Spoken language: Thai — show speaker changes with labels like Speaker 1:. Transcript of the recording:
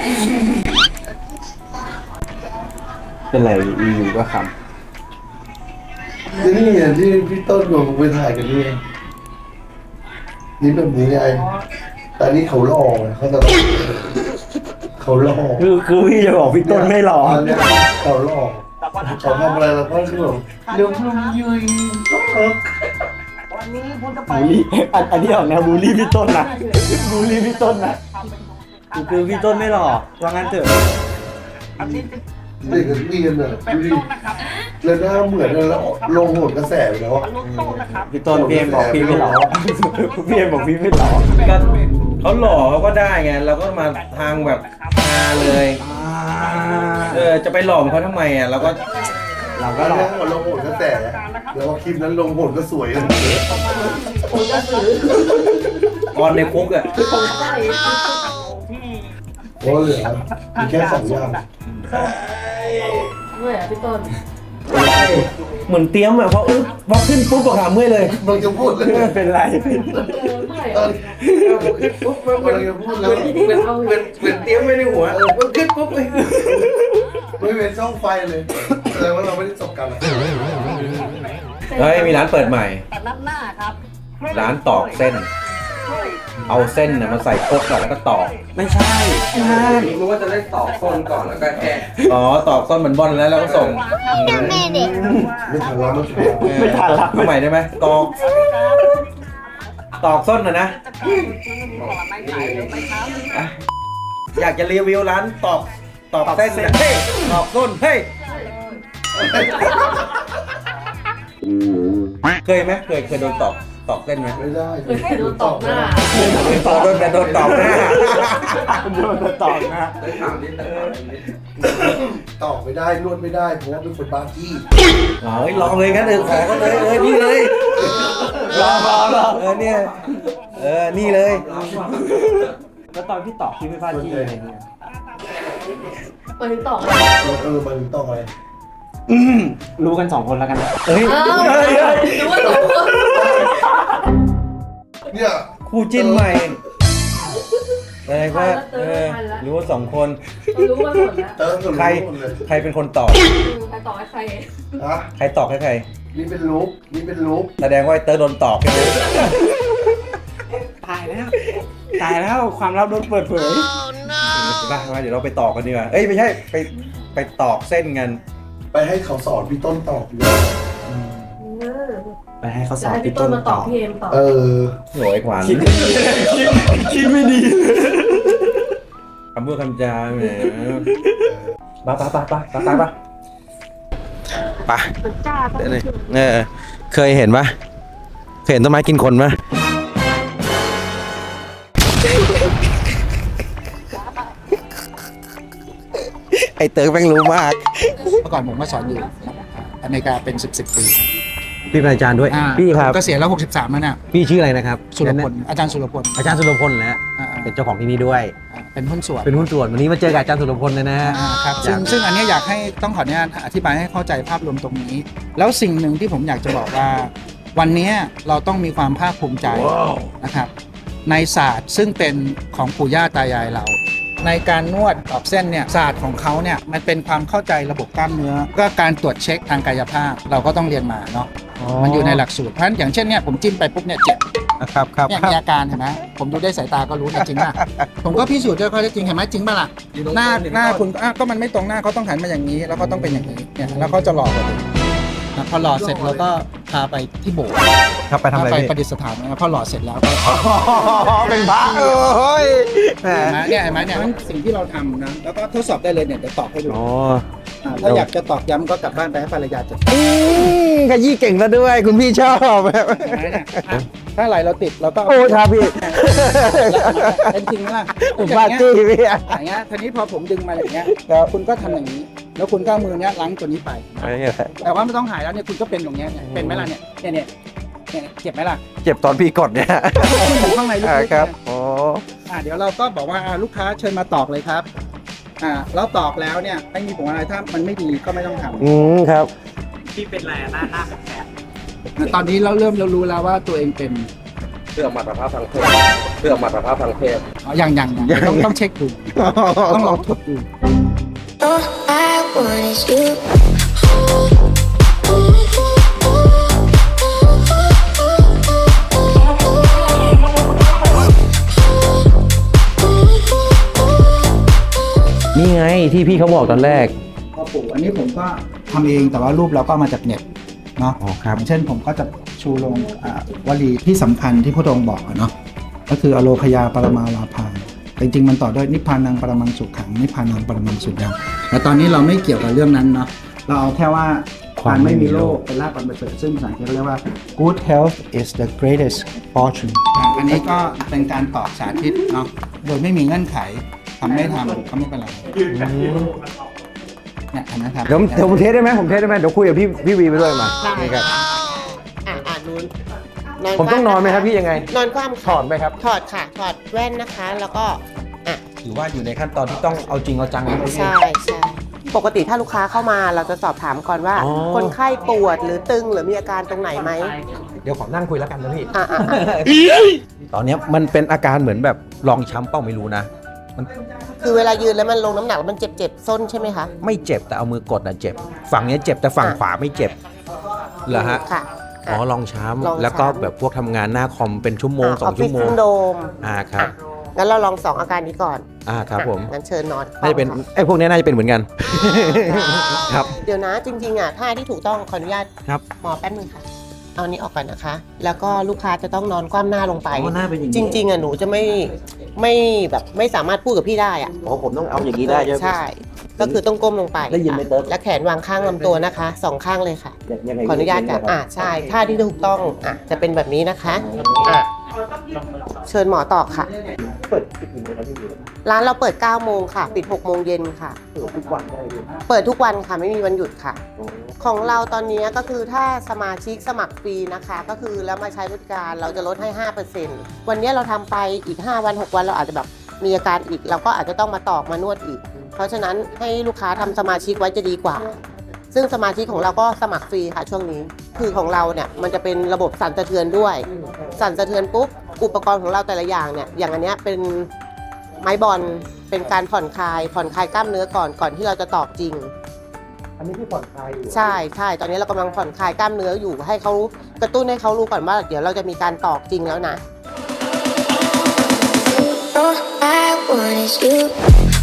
Speaker 1: เป็นไรอยู่ก็ค
Speaker 2: นี่ไงที่พี่ต้นกับผมไปถ่ายกันนี่นี่แบบนี้ไงแต่นี่เขาหล่อไงเขาจะเขาหล่อ
Speaker 1: ำคือพี่จะบอกพี่ต้นไม่หล่อ
Speaker 2: อันเนี้ยเขาหล่อเขาทำอะไรเราก็คือแบบเดี๋ยวพึ่งยืน
Speaker 3: วันนี้คุณจะไป
Speaker 1: บูลลี่อันนี้ออกแนวบูลลี่พี่ต้นนะบูลลี่พี่ต้นนะคือพี่ต้นไม่หล่อว่างั้นเถอะ
Speaker 3: อันนี้จะ
Speaker 2: เด็กกันมีกันเลย
Speaker 3: เป็น
Speaker 2: ดูดิ
Speaker 3: ต้นนะครับ
Speaker 2: แล้วหน้าเหมือนแล้วลงโหดกระแสไปแล้ว
Speaker 3: อันนู้นต้นนะครับ
Speaker 1: พี่ต้นพี่เอ็มบอกพี่ไม่หล่อพี่เอ็มบอกพี่ไม่หล่อ
Speaker 4: ก็เขาหล่อเขาก็ได้ไงเราก็มาทางแบบฮาเลยจะไปหล่อมเขาทำไมอ่ะเราก็
Speaker 1: เราก็
Speaker 2: ก็
Speaker 1: หล่อ
Speaker 2: ลงโหดกระแสแล้วคลิปนั้นลงโหดก็สวยกัน
Speaker 4: ออนในคุกอ่ะ
Speaker 3: ที่
Speaker 2: โอ้เหลือมีแค่2 อย่าง
Speaker 5: เมื่อยพี่ต้น
Speaker 4: เหมือนเตรียมอ่ะพอขึ้นปุ๊บก็ขาเมื่อยเลย
Speaker 2: มึงจะพูดเลย
Speaker 1: ไม่เป็นไร
Speaker 5: เมื่อย
Speaker 2: ตอนขึ้นปุ๊บมึงจะพูดแล้ว
Speaker 4: เหมือนเตรียมไว้ในหัวขึ้นปุ๊บเลย
Speaker 2: ไม่เป็นช่องไฟเลยแสดงว่าเราไม่ได้จบกัน
Speaker 4: เฮ้ยมีร้านเปิดใหม่
Speaker 3: แต่นัดหน้าครับ
Speaker 4: ร้านตอกเส้น เอาเส้นน่ะมาใส่โคกก่อนแล้วก็ตอก
Speaker 1: ไม่ใช่นั่น
Speaker 6: รู้ว่าจะได้ตอกส้นก่อนแล้วก็แค่
Speaker 4: อ๋อตอกส้นเหมือนบอลแล้วเราก็ส่ง
Speaker 2: ไม่ทันแล้วมัน
Speaker 1: ไม่ทันละ
Speaker 4: เอาใหม่ได้ไหมตอกส้นนะอยากจะรีวิวร้านตอกเส้นนะเฮ้ยตอกส้นเฮ้ยเคยไหมเคยโดนตอกเส้นไหม
Speaker 2: ไม่ได้
Speaker 5: โดนตบหน้า
Speaker 4: โดนตอกหน้า
Speaker 1: โดนจะตอกนะ
Speaker 6: ได้ถามนิดแต่ถามนิด
Speaker 2: ต่อไม่ได้นวดไม่ได้เพราะว่าเป็นคนบ้าที่
Speaker 4: เฮ้ยลองเลยงั้นขอก็เลยนี่เลย
Speaker 1: รอ
Speaker 4: เนี่ยนี่เลย
Speaker 1: แล้วตอนพี่ตอกพี่ไม่พลาดที่อะไรเนี่ย
Speaker 5: ไปถึงต่อ
Speaker 2: มันต้องอะไร
Speaker 1: รู้กัน2 คนแล้วกันนะ
Speaker 4: เฮ้ย
Speaker 5: ดูว่า2 คน
Speaker 2: เนี่ย
Speaker 4: คู่จิ้นใหม่อะไรก็รู้ว่า2 คน
Speaker 5: รู้ว่าหมดแล้ว
Speaker 2: เติมส่วน
Speaker 4: ใคร
Speaker 2: หมดเลย
Speaker 4: ใครเป็นคนตอก
Speaker 5: ใครต่อให้ใคร
Speaker 2: ฮะ
Speaker 4: ใครตอกให้ใคร
Speaker 2: นี่เป็นลุกนี่เป็นลุก
Speaker 4: แสดงว่าเตอร์โดนตอกใช่ไหม
Speaker 1: ตายแล้วความลับโดนเปิดเผย
Speaker 4: มาเดี๋ยวเราไปตอกกันดีกว่าเอ้ยไม่ใช่ไปตอกเส้นกัน
Speaker 2: ไปให้เขาสอนพี่ต้นตอบดีกว่า
Speaker 1: ไปให้เขาส
Speaker 5: จะ
Speaker 1: อน
Speaker 5: ให้
Speaker 1: พี่
Speaker 5: พี่
Speaker 1: ต้
Speaker 5: ต้
Speaker 1: น
Speaker 5: นมา
Speaker 1: ต
Speaker 5: ต
Speaker 1: อ
Speaker 5: อบบ พี่เอ็มตอบ
Speaker 4: โหยขวาน
Speaker 1: คิดไม่ดี
Speaker 4: คำพูดคำจาแหมไปเคยเห็นปะเคยเห็นต้นไม้กินคนปะไอเติร์กแม่งรู้มาก
Speaker 7: เมื่อก่อนผมก็สอนอยู่อเมริกาเป็น10 ปี
Speaker 4: พี่เป็นอาจารย์ด้วย พี่ครับ
Speaker 7: ก็เสียแล้ว63แล้วเนี่ย
Speaker 4: พี่ชื่ออะไรนะครับ
Speaker 7: สุรพลอาจารย์สุรพล
Speaker 4: อาจารย์สุรพลนะ เป็นเจ้าของที่นี่ด้วย
Speaker 7: เป็นหุ้นส่วน
Speaker 4: เป็นหุ้นส่วนวันนี้มาเจอกับอาจารย์สุรพลเลยนะฮะ
Speaker 7: ครับซึ่งอันนี้อยากให้ต้องขออนุญาตอธิบายให้เข้าใจภาพรวมตรงนี้ แล้วสิ่งหนึ่งที่ผมอยากจะบอกว่า วันนี้เราต้องมีความภาคภูมิใจนะครับในศาสตร์ซึ่งเป็นของปู่ย่าตายายเรา ในการนวดตอกเส้นเนี่ยศาสตร์ของเขาเนี่ยมันเป็นความเข้าใจระบบกล้ามเนื้อก็การตรวจเช็คทางกายภาพเราก็ต้องเรียนมาเนาะมันอยู่ในหลักสูตรเพราะฉะนั้นอย่างเช่นเนี่ยผมจิ้มไปปุ๊บเนี่ยเจ็บ
Speaker 4: ครับครับ
Speaker 7: เนี่ยมีอาการเห็นไหมผมดูได้สายตาก็รู้นะจริงป่ะ ผมก็พิสูจน์ด้วยข้อเท็จจริงเห็นไหมจริงป่ะล่ะหน้าคุณก็มันไม่ตรงหน้าเขาต้องหันมาอย่างนี้แล้วก็ต้องเป็นอย่างนี้เนี่ยแล้วเขาจะหล่อกว่านี้พอหล่อเสร็จเราก็พาไปที่โบสถ์
Speaker 4: ครับไปทำอะไร
Speaker 7: ไป
Speaker 4: พี่
Speaker 7: ประดิษฐานนะพอหล่อเสร็จแล้วก็
Speaker 4: เป็นพระเฮ้ยแหม
Speaker 7: เห็นไหมเนี่ยสิ่งที่เราทำนะแล้วก็ทดสอบได้เลยเนี่ยเดี๋ยวตอบให้ดู
Speaker 4: อ๋อ
Speaker 7: ถ้าอยากจะตอกย้ำก็กลับบ้านไปให้ภรรยาจัด
Speaker 4: ขยี้เก่งซะด้วยคุณพี่ชอบแบบ
Speaker 7: ถ้าไหลเราติดเราก็
Speaker 4: โอ้ครับพี่
Speaker 7: เป็นจริงไหมล่ะ
Speaker 4: ผมว่าจี้พี่
Speaker 7: อย่างเงี้ยทีนี้พอผมดึงมาอย่างเงี้ยคุณก็ทำอย่างนี้ แล้วคุณก็เอามือเนี้ยล้างตัวนี้ไป แต่ว่าไม่ต้องหายแล้วเนี่ยคุณก็เป็นอย่างเงี้ยเป็นไหมล่ะเนี่ยเจ็บไหมล่ะ
Speaker 4: เจ็บตอนพี่กดเนี่ย
Speaker 7: คุณอยู่ข้างในลึกๆ
Speaker 4: ครับ
Speaker 7: เนี่ย
Speaker 4: โอ้
Speaker 7: เดี๋ยวเราก็บอกว่าลูกค้าเชิญมาตอกเลยครับแล้วตอกแล้วเนี่ยไม่มีผลอะไรถ้ามันไม่ดีก็ไม่ต้องทำ
Speaker 4: ครับ
Speaker 3: ที่เป็นแหล่หน้าแปลก
Speaker 7: ตอนนี้เราเริ่มรู้แล้วว่าตัวเองเป็น
Speaker 6: เพื่อมาตรภาพทางเพศเพื่อมาตรภาพทางเพศ
Speaker 7: อ๋อยังต้องเช็คดูต้องลองทดดู
Speaker 8: All I want is you.
Speaker 4: นี่ไงที่พี่เขาบอกตอนแรก
Speaker 7: พ่อปู่อันนี้ผมก็ทำเองแต่ว่ารูปเราก็เอามาจากเน็ตเนาะ
Speaker 4: อ๋อครับ
Speaker 7: อย่างเช่นผมก็จะชูลงวลีที่สำคัญที่พระองค์บอกอะเนาะก็คืออโลคยาปรมาวาภาแต่จริงๆมันต่อด้วยนิพพานังปรมังสุขขังนิพพานังปรมังสุญญ์แต่ตอนนี้เราไม่เกี่ยวกับเรื่องนั้นเนาะเราเอาแค่ว่าการไม่มีโรคเป็นลาภอันประเสริฐซึ่งภาษาอังกฤษเรียกว่า good health is the greatest fortune อันนี้ก็เป็นการตอบสาธิตเนาะโดยไม่มีเงื่อนไขทำไม่ทำก็ไม่เป็นไรเนี่ยเห็นไหมครับ
Speaker 4: เดี๋ยวผมเทสได้ไหมผมเทสได้ไหมเดี๋ยวคุยกับพี่วีไปด้วยมานี่ครับ
Speaker 9: นู้น
Speaker 4: ผมต้องนอนไหมครับพี่ยังไง
Speaker 9: นอนคว่ำ
Speaker 4: ถอดไหมครับ
Speaker 9: ถอดค่ะ ถอดแว่นนะคะ แล้วก็อ่ะ
Speaker 4: ถือว่าอยู่ในขั้นตอนที่ต้องเอาจริงเอาจังนะพี่
Speaker 9: ใช่ปกติถ้าลูกค้าเข้ามาเราจะสอบถามก่อนว่า
Speaker 4: อ๋อ
Speaker 9: คนไข้ปวดหรือตึงหรือมีอาการตรงไหนไหม
Speaker 4: เดี๋ยวขอนั่งคุยแล้วกันนะพี่
Speaker 9: อ่ะ
Speaker 4: ตอนเนี้ยมันเป็นอาการเหมือนแบบรองช้ำเป้าไม่รู้นะ มัน
Speaker 9: คือเวลายืนแล้วมันลงน้ำหนักแล้วมันเจ็บส้นใช่ไหมคะ
Speaker 4: ไม่เจ็บแต่เอามือกดนะเจ็บ ฝั่งเนี้ยเจ็บแต่ฝั่งขวาไม่เจ็บเหรอฮะ
Speaker 9: ค่ะ
Speaker 4: อ๋อรองช้
Speaker 9: รอง
Speaker 4: ำ
Speaker 9: ช้ำ
Speaker 4: แล้วก็แบบพวกทำงานหน้าคอมเป็นชั่วโมง
Speaker 9: ออฟ
Speaker 4: 2
Speaker 9: ฟิ
Speaker 4: ชั่
Speaker 9: ศ
Speaker 4: วโม
Speaker 9: ซิ
Speaker 4: ง
Speaker 9: นโดม
Speaker 4: ครับ
Speaker 9: งั้นเราลอง2อาการนี้ก่อน
Speaker 4: ครับผม
Speaker 9: งั้นเชิญนอน
Speaker 4: น่าจะเป็นไอ้พวกเนี้ยน่าจะเป็นเหมือนกัน ครับ
Speaker 9: เดี๋ยวนะจริงๆอ่ะท่าที่ถูกต้องขออนุญาต
Speaker 4: ครับ
Speaker 9: หมอแป๊บนึงค่ะ เอานี้ออกก่อนนะคะ แล้วก็ลูกค้าจะต้องนอนคว่ำหน้าลงไป
Speaker 4: อ๋อหน้าเป็นอย่างนี้
Speaker 9: จริงๆอ่ะหนูจะไม่แบบไม่สามารถพูดกับพี่ได้อ่ะ
Speaker 4: อ๋อผมต้องเอาอย่างนี้ได้ใช่ไหม
Speaker 9: ใช่ ก็คือต้องก้มลงไป
Speaker 4: ได้ยินไหมเติ๊ด
Speaker 9: และแขนวางข้างลำตัวนะคะ2ข้างเลยค่ะ
Speaker 4: ยังไง
Speaker 9: ขออนุญาตค่ะใช่ท่าที่ถูกต้องจะเป็นแบบนี้นะคะเชิญหมอต่อค่ะ
Speaker 4: เปิดกี่โมงครับพี่
Speaker 9: ร้านเราเปิด9โมงค่ะ ปิด6โมงเย็นค่ะ
Speaker 4: ทุกวันได้เลย
Speaker 9: เปิดทุกวันค่ะไม่มีวันหยุดค่ะ ของเราตอนนี้ก็คือถ้าสมาชิกสมัครฟรีนะคะ ก็คือแล้วมาใช้บริการเราจะลดให้ 5%วันนี้เราทำไปอีก5วัน6วันเราอาจจะแบบมีอาการอีกเราก็อาจจะต้องมาตอกมานวดอีก เพราะฉะนั้นให้ลูกค้าทำสมาชิกไว้จะดีกว่า ซึ่งสมาชิกของเราก็สมัครฟรีค่ะช่วงนี้ คือของเราเนี่ยมันจะเป็นระบบสั่นสะเทือนด้วย สั่นสะเทือนปุ๊บอุปกรณ์ของเราแต่ละอย่างเนี่ยอย่างอันเนี้ยเป็นไม้บอลเป็นการผ่อนคลายกล้ามเนื้อก่อนที่เราจะตอกจริง
Speaker 4: อันนี้ที่ผ่อนคลายอยู่
Speaker 9: ใช่ตอนนี้เรากำลังผ่อนคลายกล้ามเนื้ออยู่ให้เขากระตุ้นให้เขารู้ก่อนว่าเดี๋ยวเราจะมีการตอกจริงแล้วนะ
Speaker 8: All I want is you.